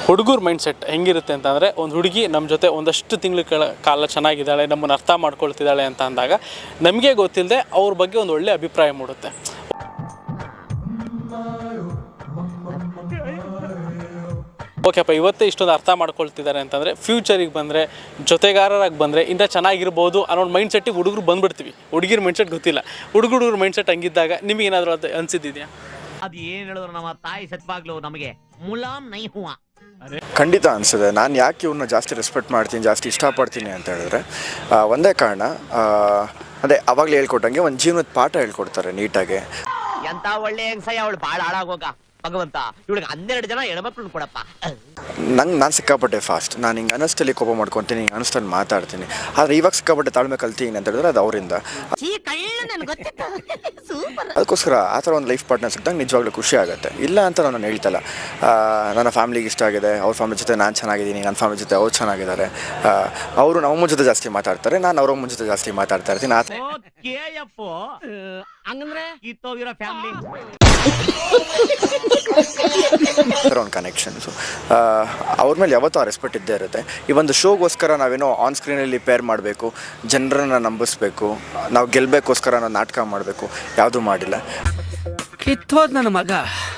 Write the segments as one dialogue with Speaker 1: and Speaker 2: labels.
Speaker 1: ಹುಡುಗರ ಮೈಂಡ್ಸೆಟ್ ಹೆಂಗಿರುತ್ತೆ ಅಂತಂದರೆ, ಒಂದು ಹುಡುಗಿ ನಮ್ಮ ಜೊತೆ ಒಂದಷ್ಟು ತಿಂಗಳ ಕಾಲ ಚೆನ್ನಾಗಿದ್ದಾಳೆ, ನಮ್ಮನ್ನು ಅರ್ಥ ಮಾಡ್ಕೊಳ್ತಿದ್ದಾಳೆ ಅಂತ ಅಂದಾಗ ನಮಗೆ ಗೊತ್ತಿಲ್ಲದೆ ಅವ್ರ ಬಗ್ಗೆ ಒಂದು ಒಳ್ಳೆ ಅಭಿಪ್ರಾಯ ಮೂಡುತ್ತೆ. ಓಕೆಪ್ಪ, ಇವತ್ತೇ ಇಷ್ಟೊಂದು ಅರ್ಥ ಮಾಡ್ಕೊಳ್ತಿದ್ದಾರೆ ಅಂತಂದರೆ ಫ್ಯೂಚರಿಗೆ ಬಂದರೆ, ಜೊತೆಗಾರರಾಗಿ ಬಂದರೆ ಇಂಥ ಚೆನ್ನಾಗಿರ್ಬೋದು ಅನ್ನೋ ಮೈಂಡ್ಸೆಟ್ಟಿಗೆ ಹುಡುಗರು ಬಂದುಬಿಡ್ತೀವಿ. ಹುಡುಗಿರ ಮೈಂಡ್ಸೆಟ್ ಗೊತ್ತಿಲ್ಲ. ಹುಡುಗರ ಮೈಂಡ್ಸೆಟ್ ಹಂಗಿದ್ದಾಗ ನಿಮಗೇನಾದರೂ ಅದು ಅನಿಸಿದ್ದಿದೆಯಾ?
Speaker 2: ಅದು ಏನು ಹೇಳಿದ್ರು ನಮ್ಮ ತಾಯಿ ಸತ್ವಾಗ್ಲು ನಮಗೆ ಮುಲಾಮ್ ನೈ ಹೂವ.
Speaker 3: ಖಂಡಿತ ಅನಿಸಿದೆ. ನಾನು ಯಾಕೆ ಇವ್ರನ್ನ ಜಾಸ್ತಿ ರೆಸ್ಪೆಕ್ಟ್ ಮಾಡ್ತೀನಿ, ಜಾಸ್ತಿ ಇಷ್ಟಪಡ್ತೀನಿ ಅಂತ ಹೇಳಿದ್ರೆ ಒಂದೇ ಕಾರಣ, ಅದೇ ಅವಾಗಲೇ ಹೇಳ್ಕೊಟ್ಟಂಗೆ ಒಂದು ಜೀವನದ ಪಾಠ ಹೇಳ್ಕೊಡ್ತಾರೆ ನೀಟಾಗಿ.
Speaker 2: ಎಂತ ಒಳ್ಳೆ ಹೆಂಗಸಯ್ಯ ಅವಳು ಭಾಳ ಹಾಳಾಗೋಗ ಭಗವಂತ. ಇವಳಿಗೆ 12 ಜನ ಹೆಣ್ಮಕ್ಳು ಕೊಡಪ್ಪ.
Speaker 3: ನಾನು ಸಿಕ್ಕಾಪಟ್ಟೆ ಫಾಸ್ಟ್. ನಾನು ಹಿಂಗೆ ಅನಸ್ತಲ್ಲಿ ಕೋಪ ಮಾಡ್ಕೊತೀನಿ, ಹಿಂಗೆ ಅನಿಸ್ತಲ್ಲಿ ಮಾತಾಡ್ತೀನಿ. ಆದರೆ ಇವಾಗ ಸಿಕ್ಕಾಪಟ್ಟೆ ತಾಳ್ಮೆ ಕಲ್ತೀನಿ ಅಂತ ಹೇಳಿದ್ರೆ ಅದು ಅವರಿಂದ. ಅದಕ್ಕೋಸ್ಕರ ಆ ಥರ ಒಂದು ಲೈಫ್ ಪಾರ್ಟ್ನರ್ ಸಿಕ್ಕಿದಾಗ ನಿಜವಾಗ್ಲೂ ಖುಷಿ ಆಗುತ್ತೆ. ಇಲ್ಲ ಅಂತ ನಾನು ಹೇಳ್ತಲ್ಲ. ನನ್ನ ಫ್ಯಾಮಿಲಿಗೆ ಇಷ್ಟ ಆಗಿದೆ, ಅವ್ರ ಫ್ಯಾಮಿಲಿ ಜೊತೆ ನಾನು ಚೆನ್ನಾಗಿದ್ದೀನಿ, ನನ್ನ ಫ್ಯಾಮಿಲಿ ಜೊತೆ ಅವ್ರು ಚೆನ್ನಾಗಿದ್ದಾರೆ. ಅವರು ನಮ್ಮ ಜೊತೆ ಜಾಸ್ತಿ ಮಾತಾಡ್ತಾರೆ, ನಾನು ಅವ್ರ ಜೊತೆ ಜಾಸ್ತಿ ಮಾತಾಡ್ತಾ ಇರ್ತೀನಿ.
Speaker 2: ಹಂಗಂದ್ರೆ ಇತ್ತೋಗಿರೋ ಫ್ಯಾಮಿಲಿ
Speaker 3: ಒಂದು ಕನೆಕ್ಷನ್ಸು ಅವ್ರ ಮೇಲೆ ಯಾವತ್ತೂ ಆ ರೆಸ್ಪೆಕ್ಟ್ ಇದ್ದೇ ಇರುತ್ತೆ. ಈ ಒಂದು ಶೋಗೋಸ್ಕರ ನಾವೇನೋ ಆನ್ ಸ್ಕ್ರೀನಲ್ಲಿ ಪೇರ್ ಮಾಡಬೇಕು, ಜನರನ್ನು ನಂಬಿಸ್ಬೇಕು, ನಾವು ಗೆಲ್ಲಬೇಕೋಸ್ಕರ ನಾವು ನಾಟಕ ಮಾಡಬೇಕು, ಯಾವುದೂ ಮಾಡಿಲ್ಲ.
Speaker 4: ಕಿತ್ತೋದ್ ನನ್ನ ಮಗ.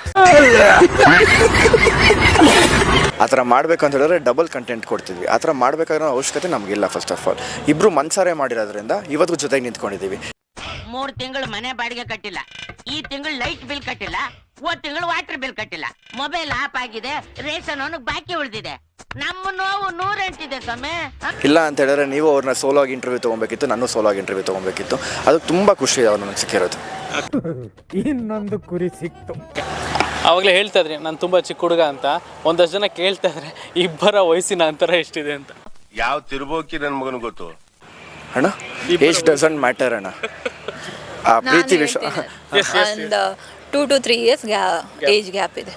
Speaker 3: ಆ ಥರ ಮಾಡಬೇಕು ಅಂತ ಹೇಳಿದ್ರೆ ಡಬಲ್ ಕಂಟೆಂಟ್ ಕೊಡ್ತಿದ್ವಿ. ಆ ಥರ ಮಾಡಬೇಕಾಗಿರೋ ಅವಶ್ಯಕತೆ ನಮಗಿಲ್ಲ. ಫಸ್ಟ್ ಆಫ್ ಆಲ್ ಇಬ್ಬರು ಮನ್ಸಾರೆ ಮಾಡಿರೋದ್ರಿಂದ ಇವತ್ತು ಜೊತೆಗೆ ನಿಂತ್ಕೊಂಡಿದ್ದೀವಿ.
Speaker 5: 3 ತಿಂಗಳು ಮನೆ ಬಾಡಿಗೆ ಕಟ್ಟಿಲ್ಲ, ಈ ತಿಂಗಳು ಲೈಟ್ ಬಿಲ್ ಕಟ್ಟಿಲ್ಲ, ಹೋದ ತಿಂಗಳು ವಾಟರ್ ಬಿಲ್ ಕಟ್ಟಿಲ್ಲ, ಮೊಬೈಲ್ ಆಫ್ ಆಗಿದೆ, ರೇಷನ್ ಅವನಿಗೆ ಬಾಕಿ ಉಳಿದಿದೆ. ನಮ್ಮ ನೋವು 108 ಸ್ವಾಮಿ.
Speaker 3: ಇಲ್ಲ ಅಂತ ಹೇಳಿದ್ರೆ ನೀವು ಅವ್ರನ್ನ ಸೋಲೋ ಆಗಿ ಇಂಟರ್ವ್ಯೂ ತೊಗೊಬೇಕಿತ್ತು, ನಾನು ಸೋಲೋ ಆಗಿ ಇಂಟರ್ವ್ಯೂ ತೊಗೊಬೇಕಿತ್ತು. ಅದು ತುಂಬ ಖುಷಿ ಅವ್ರು ನನಗೆ ಸಿಕ್ಕಿರೋದು.
Speaker 6: ಇನ್ನೊಂದು ಕುರಿ ಸಿಕ್ತು.
Speaker 1: ಆವಾಗಲೇ ಹೇಳ್ತಾ ಇದ್ರಿ ನಾನು ತುಂಬ ಚಿಕ್ಕ ಹುಡುಗ ಅಂತ. ಒಂದಷ್ಟು ಜನ ಕೇಳ್ತಾ ಇದ್ರೆ ಇಬ್ಬರ ವಯಸ್ಸಿನ ಅಂತರ ಎಷ್ಟಿದೆ ಅಂತ.
Speaker 7: ಯಾವ ತಿರುಬೋಕಿ ನನ್ನ ಮಗನ ಗೊತ್ತು
Speaker 3: ಅಣ್ಣ, ಏಜ್ ಡಸಂಟ್ ಮ್ಯಾಟರ್ ಅಣ್ಣ. ಆ ಪ್ರೀತಿ ವಿಷಯ
Speaker 8: 2 to 3 years ಏಜ್ ಗ್ಯಾಪ್ ಇದೆ.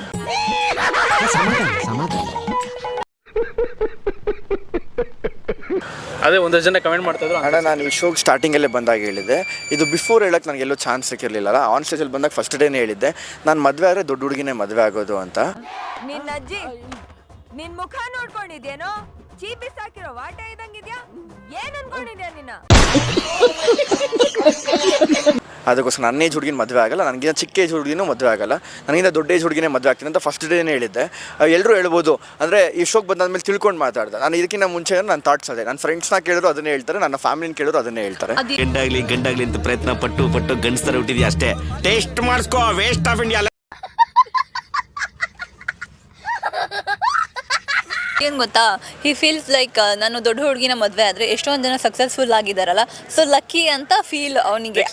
Speaker 1: ಅದೇ ಒಂದಷ್ಟು ಜನ ಕಮೆಂಟ್ ಮಾಡ್ತಾ ಇದ್ರು.
Speaker 3: ಅಣ್ಣ, ನಾನು ಈ ಶೋಗೆ ಸ್ಟಾರ್ಟಿಂಗಲ್ಲೇ ಬಂದಾಗ ಹೇಳಿದ್ದೆ, ಇದು ಬಿಫೋರ್ ಹೇಳಕ್ಕೆ ನನಗೆಲ್ಲೋ ಚಾನ್ಸ್ ಸಿಕ್ಕಿರಲಿಲ್ಲ. ಆನ್ ಸ್ಟೇಜಲ್ಲಿ ಬಂದಾಗ ಫಸ್ಟ್ ಡೇನೇ ಹೇಳಿದ್ದೆ, ನಾನು ಮದುವೆ ಆದರೆ ದೊಡ್ಡ ಹುಡುಗಿನೇ ಮದುವೆ ಆಗೋದು ಅಂತ.
Speaker 9: ನಿನ್ನ ಅಜ್ಜಿ ನಿನ್ ಮುಖ ನೋಡ್ಕೊಂಡಿದ್ಯೇನೋ, ಚೀಪಿ ಸಾಕಿರೋ ವಾಟ ಇದ್ದಂಗಿದ್ಯಾ, ಏನ್ ಅನ್ಕೊಂಡಿದ್ಯಾ ನಿನ್ನ?
Speaker 3: ಅದಕ್ಕೋಸ್ಕರ ನನ್ನ ಏಜ್ ಹುಡುಗಿನ ಮದುವೆ ಆಗಲ್ಲ, ನನಗಿಂತ ಚಿಕ್ಕ ಏಜ್ ಹುಡುಗಿನೂ ಮದುವೆ ಆಗಲ್ಲ, ನನಗಿಂತ ದೊಡ್ಡ ಏಜ್ ಹುಡುಗಿನೇ ಮದುವೆ ಆಗ್ತೀನಿ ಅಂತ ಫಸ್ಟ್ ಡೇನೇ ಹೇಳಿದ್ದೆ. ಎಲ್ಲರೂ ಹೇಳ್ಬೋದು, ಅಂದರೆ ಈ ಶೋಗೆ ಬಂದಾದ್ಮೇಲೆ ತಿಳ್ಕೊಂಡು ಮಾತಾಡ್ದೆ. ನಾನು ಇದಕ್ಕಿಂತ ಮುಂಚೆ ನನ್ನ ಥಾಟ್ಸ್ ಅದೇ. ನನ್ನ ಫ್ರೆಂಡ್ಸ್ನ ಕೇಳಿದ್ರು ಅದನ್ನೇ ಹೇಳ್ತಾರೆ, ನನ್ನ ಫ್ಯಾಮಿಲಿನ ಕೇಳಿದ್ರು ಅದನ್ನೇ ಹೇಳ್ತಾರೆ.
Speaker 4: ಗಂಡಾಗ್ಲಿ ಅಂತ ಪ್ರಯತ್ನ ಪಟ್ಟು ಗಂಡಸ್ತರ ಹುಟ್ಟಿದ್ಯಾ ಅಷ್ಟೇ. ಟೇಸ್ಟ್ ಮಾಡಿಸ್ಕೋ, ವೇಸ್ಟ್ ಆಫ್ ಇಂಡಿಯಾ.
Speaker 8: ಏನು ಗೊತ್ತಾ, ಹಿ ಫೀಲ್ಸ್ ಲೈಕ್ ನಾನು ದೊಡ್ಡ ಹುಡುಗಿನ ಮದುವೆ ಆದರೆ ಎಷ್ಟೊಂದು ಜನ ಸಕ್ಸಸ್ಫುಲ್ ಆಗಿದ್ದಾರಲ್ಲ, ಸೊ ಲಕ್ಕಿ ಅಂತ ಫೀಲ್ ಅವನಿಗೆ.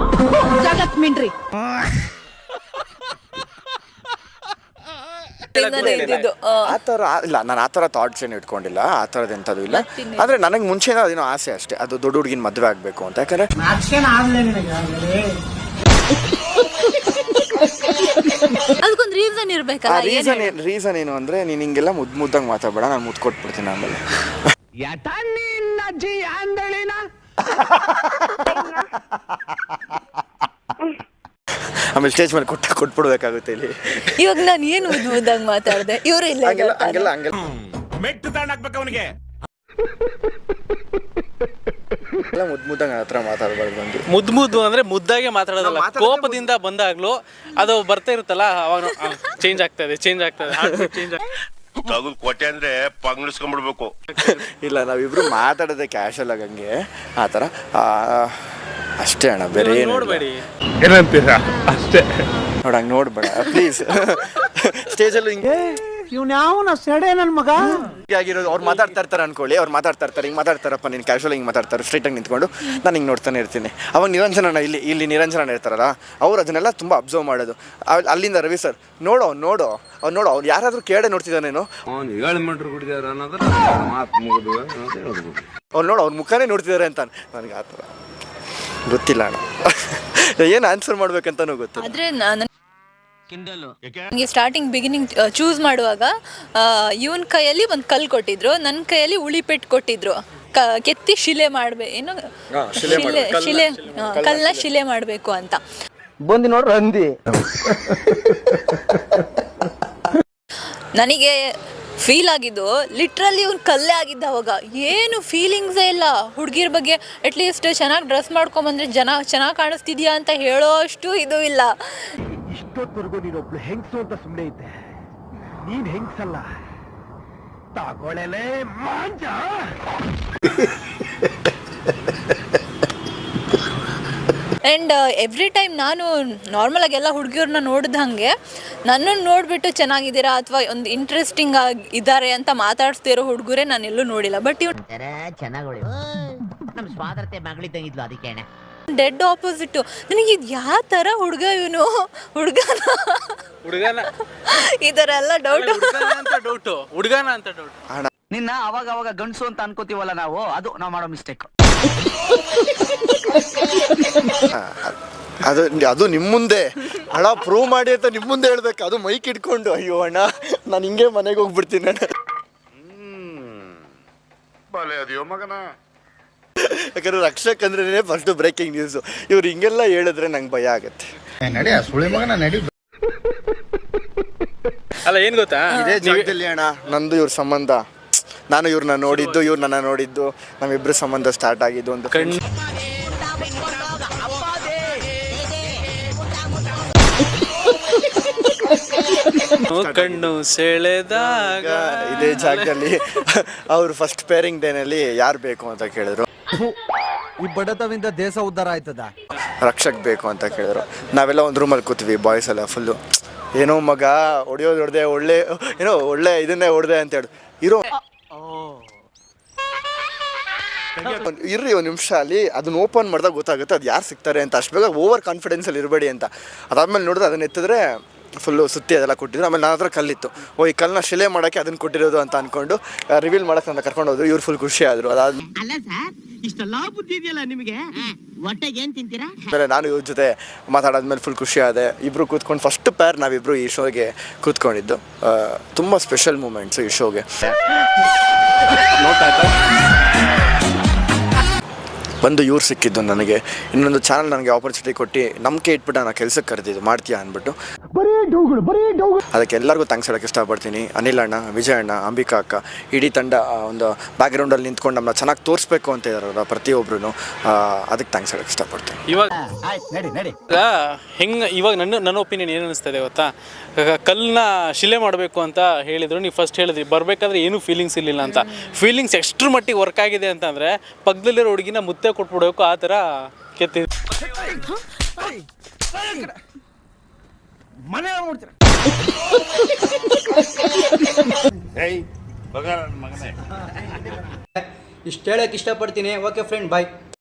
Speaker 3: ಆ ಥರ ಇಲ್ಲ, ನಾನು ಆ ಥರ ಥಾಟ್ಸ್ ಏನು ಇಟ್ಕೊಂಡಿಲ್ಲ, ಆ ಥರದ್ದು ಎಂಥದ್ದು ಇಲ್ಲ. ಅಂದರೆ ನನಗೆ ಮುಂಚೆನೇ ಅದೇನೋ ಆಸೆ ಅಷ್ಟೇ, ಅದು ದೊಡ್ಡ ಹುಡುಗಿನ ಮದುವೆ ಆಗಬೇಕು ಅಂತ. ಯಾಕಂದರೆ
Speaker 8: ಅದಕ್ಕೊಂದು ರೀಸನ್ ಇರ್ಬೇಕಲ್ಲ.
Speaker 3: ರೀಸನ್ ಏನು ಅಂದರೆ, ನೀನು ಹಿಂಗೆಲ್ಲ ಮುದ್ದಾಗಿ ಮಾತಾಡಬೇಡ, ನಾನು ಮುದ್ದು ಕೊಟ್ಬಿಡ್ತೀನಿ ಆಮೇಲೆ. ಆಮೇಲೆ ಸ್ಟೇಜ್ ಮೇಲೆ ಕೊಟ್ಬಿಡ್ಬೇಕಾಗುತ್ತೆ ಇಲ್ಲಿ.
Speaker 8: ಇವಾಗ ನಾನು ಏನು ಮುದ್ದಾಗಿ ಮಾತಾಡಿದೆ, ಇವರು ಇಲ್ಲ
Speaker 3: ಹಂಗೆಲ್ಲ
Speaker 4: ಮೆಟ್ಟು ತಗೊಂಡಾಕ್ಬೇಕು ಅವನಿಗೆ.
Speaker 3: ಎಲ್ಲ ಮುದ್ದಾಗಿ ಹತ್ರ ಮಾತಾಡಬಾರ್ದು.
Speaker 1: ಮುದ್ದು ಅಂದ್ರೆ ಮುದ್ದಾಗೆ ಮಾತಾಡೋದಲ್ಲ, ಕೋಪದಿಂದ ಬಂದಾಗ್ಲೂ ಅದು ಬರ್ತಾ ಇರುತ್ತಲ್ಲ, ಅವಾಗ ಚೇಂಜ್ ಆಗ್ತದೆ.
Speaker 7: ತಗದ್ ಕೊಟ್ಟೆ ಅಂದ್ರೆ ಪಂಗ್ಳಿಸ್ಕೊಂಡ್ಬಿಡ್ಬೇಕು.
Speaker 3: ಇಲ್ಲ, ನಾವಿಬ್ರು ಮಾತಾಡೋದೆ ಕ್ಯಾಶುವಲ್ ಆಗಿ ಹಂಗೆ, ಆ ಥರ ಅಷ್ಟೇ ಅಣ್ಣ, ಬೇರೆ ಏನು
Speaker 1: ನೋಡ್ಬೇಡಿ.
Speaker 6: ಏನಂತೀರಾ ಅಷ್ಟೇ.
Speaker 3: ನೋಡ, ಹಂಗೆ ನೋಡ್ಬೇಡ ಪ್ಲೀಸ್. ಸ್ಟೇಜಲ್ಲೂ ಹಿಂಗೆ
Speaker 6: ಇವ್ನ್ಯಾವನ ಸೆಡೆ ನನ್ನ ಮಗ
Speaker 3: ಆಗಿರೋದು. ಅವ್ರು ಮಾತಾಡ್ತಾ ಇರ್ತಾರೆ ಅನ್ಕೊಳ್ಳಿ, ಅವ್ರು ಮಾತಾಡ್ತಾ ಇರ್ತಾರೆ, ಹಿಂಗೆ ಮಾತಾಡ್ತಾರಪ್ಪ, ನೀನು ಕ್ಯಾಶುವಲ್ ಹಿಂಗೆ ಮಾತಾಡ್ತಾರೆ, ಸ್ಟ್ರೈಟಾಗಿ ನಿಂತ್ಕೊಂಡು ನಾನು ಹಿಂಗೆ ನೋಡ್ತಾನೆ ಇರ್ತೀನಿ. ಅವಾಗ ನಿರಂಜನ ಇಲ್ಲಿ ನಿರಂಜನ ಇರ್ತಾರಲ್ಲ, ಅವ್ರು ಅದನ್ನೆಲ್ಲ ತುಂಬ ಅಬ್ಸರ್ವ್ ಮಾಡೋದು. ಅಲ್ಲಿಂದ ರವಿ ಸರ್ ನೋಡು ಅವ್ರು ಯಾರಾದರೂ ಕೇಳೇ ನೋಡ್ತಿದ್ದಾನೇನು, ಅವ್ರು ಅವ್ರ ಮುಖನೇ ನೋಡ್ತಿದ್ದಾರೆ ಅಂತ. ನನಗೆ ಆ ಥರ ಗೊತ್ತಿಲ್ಲ ಅಣ್ಣ, ಏನು ಆನ್ಸರ್ ಮಾಡ್ಬೇಕಂತನೂ ಗೊತ್ತಿಲ್ಲ.
Speaker 8: ಆದರೆ ನನಗೆ ಸ್ಟಾರ್ಟಿಂಗ್ ಬಿಗಿನಿಂಗ್ ಚೂಸ್ ಮಾಡುವಾಗ ಇವನ್ ಕೈಯಲ್ಲಿ ಒಂದು ಕಲ್ಲು ಕೊಟ್ಟಿದ್ರು, ನನ್ನ ಕೈಯಲ್ಲಿ ಉಳಿಪೆಟ್ಟು ಕೊಟ್ಟಿದ್ರು. ಕೆತ್ತಿ ಶಿಲೆ ಏನು ಕಲ್ಲನ್ನ ಶಿಲೆ ಮಾಡಬೇಕು ಅಂತ
Speaker 6: ಬಂದು ನೋಡ್ರಿ ಅಂದಿ.
Speaker 8: ನನಗೆ ಫೀಲ್ ಆಗಿದ್ದು ಲಿಟ್ರಲಿ ಇವ್ನು ಕಲ್ಲೇ ಆಗಿದ್ದ ಅವಾಗ. ಏನು ಫೀಲಿಂಗ್ಸೇ ಇಲ್ಲ ಹುಡುಗಿರ ಬಗ್ಗೆ. ಅಟ್ಲೀಸ್ಟ್ ಚೆನ್ನಾಗಿ ಡ್ರೆಸ್ ಮಾಡ್ಕೊಂಬಂದ್ರೆ ಚೆನ್ನಾಗಿ ಕಾಣಿಸ್ತಿದ್ಯಾ ಅಂತ ಹೇಳೋ ಅಷ್ಟು ಇದು ಇಲ್ಲ.
Speaker 6: ಇಷ್ಟೊತ್ತವರೆಗೂ ನೀನೊಬ್ಳು ಹೆಂಗ್ಸು ಅಂತ ಸುಮ್ಮನೆ ಇದ್ದೆ. ನೀನ್ ಹೆಂಗ್ಸಲ್ಲ, ತಗೊಳ್ಳೆ ಮಾಂಜ.
Speaker 8: ಆ್ಯಂಡ್ ಎವ್ರಿ ಟೈಮ್ ನಾನು ನಾರ್ಮಲಾಗಿ ಎಲ್ಲ ಹುಡುಗಿಯವ್ರನ್ನ ನೋಡಿದಂಗೆ ನನ್ನನ್ನು ನೋಡಿಬಿಟ್ಟು ಚೆನ್ನಾಗಿದ್ದೀರಾ ಅಥವಾ ಒಂದು ಇಂಟ್ರೆಸ್ಟಿಂಗ್ ಆಗಿ ಇದ್ದಾರೆ ಅಂತ ಮಾತಾಡ್ಸ್ತಿರೋ ಹುಡುಗರೇ ನಾನು ಎಲ್ಲೂ ನೋಡಿಲ್ಲ. ಬಟ್ ಇವ್ನು
Speaker 5: ಚೆನ್ನಾಗಿ ನಮ್ ಸ್ವಾತಂತ್ರ್ಯ ಮಗಳಿದ್ದಂಗಿದ್ಲು ಅದಕ್ಕೆ
Speaker 8: ಡೆಡ್ ಆಪೋಸಿಟ್ಟು. ನನಗೆ ಇದು ಯಾವ ಥರ ಹುಡುಗ ಇವನು, ಹುಡುಗನ ಈ ಥರ ಎಲ್ಲ ಡೌಟು.
Speaker 1: ಹುಡುಗನ ಅಂತ ಡೌಟ್.
Speaker 2: ನಿನ್ನ ಅವಾಗ ಅವಾಗ ಗಂಡಸು ಅಂತ ಅನ್ಕೋತೀವಲ್ಲ ನಾವು, ಅದು ನಾವು ಮಾಡೋ ಮಿಸ್ಟೇಕ್.
Speaker 3: ಅದು ನಿಮ್ಮ ಮುಂದೆ ಅಣ್ಣ ಪ್ರೂವ್ ಮಾಡಿ ಅಂತ ನಿಮ್ಮ ಮುಂದೆ ಹೇಳ್ಬೇಕು. ಅದು ಮೈಕ್ ಇಟ್ಕೊಂಡು ಅಯ್ಯೋ ಅಣ್ಣ ನಾನು ಹಿಂಗೆ ಮನೆಗೆ ಹೋಗ್ಬಿಡ್ತೀನಿ ಅಣ್ಣ. ಯಾಕಂದ್ರೆ ರಕ್ಷಕ್ ಅಂದ್ರೆ ಫಸ್ಟ್ ಬ್ರೇಕಿಂಗ್ ನ್ಯೂಸು. ಇವ್ರು ಹಿಂಗೆಲ್ಲ ಹೇಳಿದ್ರೆ ನಂಗೆ ಭಯ ಆಗತ್ತೆ.
Speaker 1: ಅಲ್ಲ ಏನ್ ಗೊತ್ತಾ,
Speaker 3: ಇದೇ ಜಾಗದಲ್ಲಿ ಅಣ್ಣ ನಂದು ಇವ್ರ ಸಂಬಂಧ, ನಾನು ಇವ್ರನ್ನ ನೋಡಿದ್ದು, ಇವ್ರು ನನ್ನ ನೋಡಿದ್ದು, ನಮ್ಮಿಬ್ರು ಸಂಬಂಧ ಸ್ಟಾರ್ಟ್ ಆಗಿದ್ದು ಒಂದು
Speaker 1: ಕಣ್ಣು ಸೆಳೆದಾಗ
Speaker 3: ಇದೇ ಜಾಗದಲ್ಲಿ ಅವ್ರು ಫಸ್ಟ್ ಪೇರಿಂಗ್ ಡೇನಲ್ಲಿ ಯಾರು ಬೇಕು ಅಂತ ಕೇಳಿದ್ರು.
Speaker 6: ಈ ಬಡತವಿಂದ ದೇಶ ಉದ್ಧಾರ ಆಯ್ತದ.
Speaker 3: ರಕ್ಷಕ್ ಬೇಕು ಅಂತ ಕೇಳಿದ್ರು. ನಾವೆಲ್ಲ ಒಂದು ರೂಮಲ್ಲಿ ಕೂತೀವಿ ಬಾಯ್ಸ್ ಎಲ್ಲ ಫುಲ್ಲು. ಏನೋ ಮಗ ಹೊಡೆಯೋದು ಹೊಡೆದೆ, ಒಳ್ಳೆ ಇದನ್ನೇ ಹೊಡೆದೆ ಅಂತ ಹೇಳಿ ಇರೋ ಇರ್ರಿ ಒಂದು ನಿಮಿಷ ಅಲ್ಲಿ ಅದನ್ನ ಓಪನ್ ಮಾಡಿದಾಗ ಗೊತ್ತಾಗುತ್ತೆ ಅದು ಯಾರು ಸಿಗ್ತಾರೆ ಅಂತ. ಅಷ್ಟು ಬೇಗ ಓವರ್ ಕಾನ್ಫಿಡೆನ್ಸಲ್ಲಿ ಇರಬೇಡಿ ಅಂತ. ಅದಾದ್ಮೇಲೆ ನೋಡಿದ್ರೆ ಅದನ್ನ ಎತ್ತಿದ್ರೆ ಫುಲ್ಲು ಸುತ್ತಿ ಅದೆಲ್ಲ ಕೊಟ್ಟಿದ್ರು. ಆಮೇಲೆ ನನ್ನ ಹತ್ರ ಕಲ್ಲಿತ್ತು, ಈ ಕಲ್ಲನ್ನ ಶಿಲೆ ಮಾಡೋಕ್ಕೆ ಅದನ್ನು ಕೊಟ್ಟಿರೋದು ಅಂತ ಅಂದ್ಕೊಂಡು ರಿವೀಲ್ ಮಾಡೋಕ್ಕೆ ನನ್ನ ಕರ್ಕೊಂಡು ಹೋದ್ರು. ಇವ್ರು ಫುಲ್ ಖುಷಿ ಆದರು. ಅದಾದ್ಮೇಲೆ
Speaker 5: ಅಲ್ಲ ಸರ್, ಇಷ್ಟೆಲ್ಲ ಬುದ್ಧಿ ಇದೆಯಲ್ಲ ನಿಮಗೆ, ಹೊಟ್ಟೆಗೆ ಏನ್ ತಿಂತೀರಾ?
Speaker 3: ನಾನು ಇವ್ರ ಜೊತೆ ಮಾತಾಡಾದ್ಮೇಲೆ ಫುಲ್ ಖುಷಿ ಆದೆ. ಇಬ್ರು ಕೂತ್ಕೊಂಡು ಫಸ್ಟ್ ಪೇರ್ ನಾವಿಬ್ರು ಈ ಶೋಗೆ ಕೂತ್ಕೊಂಡಿದ್ದು. ತುಂಬ ಸ್ಪೆಷಲ್ ಮೂಮೆಂಟ್ಸು ಈ ಶೋಗೆ. ಒಂದು ಇವ್ರು ಸಿಕ್ಕಿದ್ದು ನನಗೆ. ಇನ್ನೊಂದು ಚಾನಲ್ ನನಗೆ ಆಪರ್ಚುನಿಟಿ ಕೊಟ್ಟು ನಂಬಿಕೆ ಇಟ್ಬಿಟ್ಟು ನಾನು ಕೆಲಸಕ್ಕೆ ಕರೆದಿದ್ದು, ಮಾಡ್ತೀಯಾ ಅಂದ್ಬಿಟ್ಟು. ಅದಕ್ಕೆ ಎಲ್ಲರಿಗೂ ಥ್ಯಾಂಕ್ಸ್ ಹೇಳೋಕ್ಕೆ ಇಷ್ಟಪಡ್ತೀನಿ. ಅನಿಲ್ ಅಣ್ಣ, ವಿಜಯ್ ಅಣ್ಣ, ಅಂಬಿಕಾ ಅಕ್ಕ, ಇಡೀ ತಂಡ ಒಂದು ಬ್ಯಾಕ್ಗ್ರೌಂಡಲ್ಲಿ ನಿಂತ್ಕೊಂಡು ನಮ್ಮನ್ನ ಚೆನ್ನಾಗಿ ತೋರಿಸ್ಬೇಕು ಅಂತ ಇದ್ದಾರಲ್ಲ ಪ್ರತಿಯೊಬ್ಬರು, ಅದಕ್ಕೆ ಥ್ಯಾಂಕ್ಸ್ ಹೇಳೋಕ್ಕೆ ಇಷ್ಟಪಡ್ತೀನಿ.
Speaker 1: ಇವಾಗ ನನ್ನ ಒಪಿನಿಯನ್ ಏನು ಅನಿಸ್ತದೆ ಗೊತ್ತಾ, ಕಲ್ಲನ್ನ ಶಿಲೆ ಮಾಡಬೇಕು ಅಂತ ಹೇಳಿದ್ರು. ನೀವು ಫಸ್ಟ್ ಹೇಳಿದ್ರಿ ಬರಬೇಕಾದ್ರೆ ಏನೂ ಫೀಲಿಂಗ್ಸ್ ಇರಲಿಲ್ಲ ಅಂತ. ಫೀಲಿಂಗ್ಸ್ ಎಷ್ಟ್ರ ಮಟ್ಟಿಗೆ ವರ್ಕ್ ಆಗಿದೆ ಅಂತಂದರೆ ಪಕ್ಕದಲ್ಲಿರೋ ಹುಡುಗಿನ ಮುತ್ತೆ ಕೊಟ್ಬಿಡ್ಬೇಕು ಆ ಥರ ಕೆತ್ತಿದ್ರು.
Speaker 6: ಇಷ್ಟು ಹೇಳಕ್ ಇಷ್ಟಪಡ್ತೀನಿ. ಓಕೆ ಫ್ರೆಂಡ್, ಬಾಯ್.